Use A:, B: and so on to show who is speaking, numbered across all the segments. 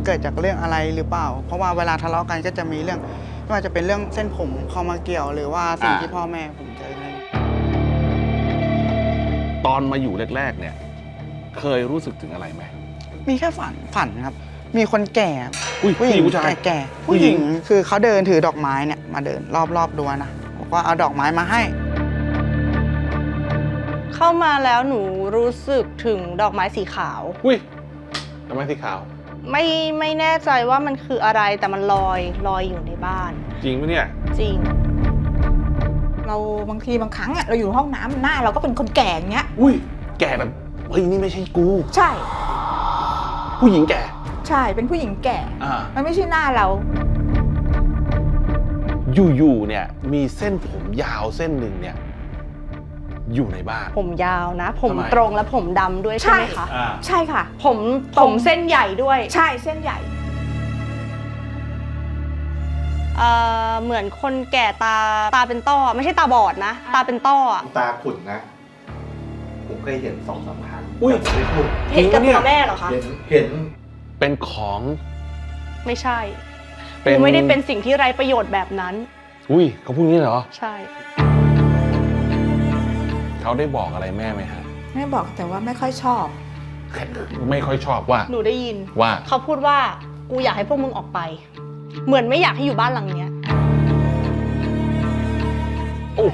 A: เกิดจากเรื่องอะไรหรือเปล่า เพราะว่าเวลาทะเลาะกันก็จะมีเรื่องไม่ว่าจะเป็นเรื่องเส้นผมเข้ามาเกี่ยว หรือว่าสิ่งที่พ่อแม่ผมเจออะไร
B: ตอนมาอยู่แรกๆเนี่ยเคยรู้สึกถึงอะไรไหม
A: มีแค่ฝันครับมีคนแก่
B: ผู้หญิงผู้ชาย
A: แก่ผู้หญิงคือเขาเดินถือดอกไม้เนี่ยมาเดินรอบๆดัวนะบอกว่าเอาดอกไม้มาให้
C: เข้ามาแล้วหนูรู้สึกถึงดอกไม้สีขาว
B: อุ้ยดอกไม้สีขาว
C: ไม่แน่ใจว่ามันคืออะไรแต่มันลอยอยู่ในบ้าน
B: จริงไหมเนี่ย
C: จริง
D: เราบางทีบางครั้งเราอยู่ห้องน้ำหน้าเราก็เป็นคนแก่อย่างเงี้ย
B: อุ้ยแก่แบบเฮ้ยนี่ไม่ใช่กู
D: ใช่
B: ผู้หญิงแก่
D: ใช่เป็นผู้หญิงแก่มันไม่ใช่หน้าเรา
B: อยู่ๆเนี่ยมีเส้นผมยาวเส้นหนึ่งเนี่ยอยู่ในบ้าน
C: ผมยาวนะผมตรงและผมดำด้วยใช่ไหมคะ
D: ใช่ค่ะ
C: ผมเส้นใหญ่ด้วย
D: ใช่เส้นใหญ่
C: เหมือนคนแก่ตาเป็นต้อไม่ใช่ตาบอดนะตาเป็นต้อ
E: ตาขุ่นนะผมเคยเห็น2-3 ครั้ง
B: ไม่พูด
C: เห็นกับตัวแม่เหรอคะ
E: เห็น
B: เป็นของ
C: ไม่ใช่กูไม่ได้เป็นสิ่งที่ไร้ประโยชน์แบบนั้น
B: อุ้ยเขาพูดงี้เหรอ
C: ใช่
B: เขาได้บอกอะไรแม่ไหมฮะ
D: แม่บอกแต่ว่าไม่ค่อยชอบ
B: ไม่ค่อยชอบว่า
C: หนูได้ยิน
B: ว่า
C: เขาพูดว่ากูอยากให้พวกมึงออกไปเหมือนไม่อยากให้อยู่บ้านหลังเนี้ย
B: โอ้โห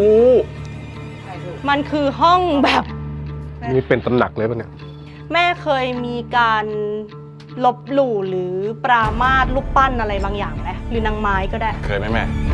C: มันคือห้องแบบ
B: นี่เป็นตำหนักเลยป่ะเนี่ย
C: แม่เคยมีการลบหลู่หรือปรามาสรูปปั้นอะไรบางอย่างไหมหรือนางไม้ก็ได้
B: เคยไหมแม่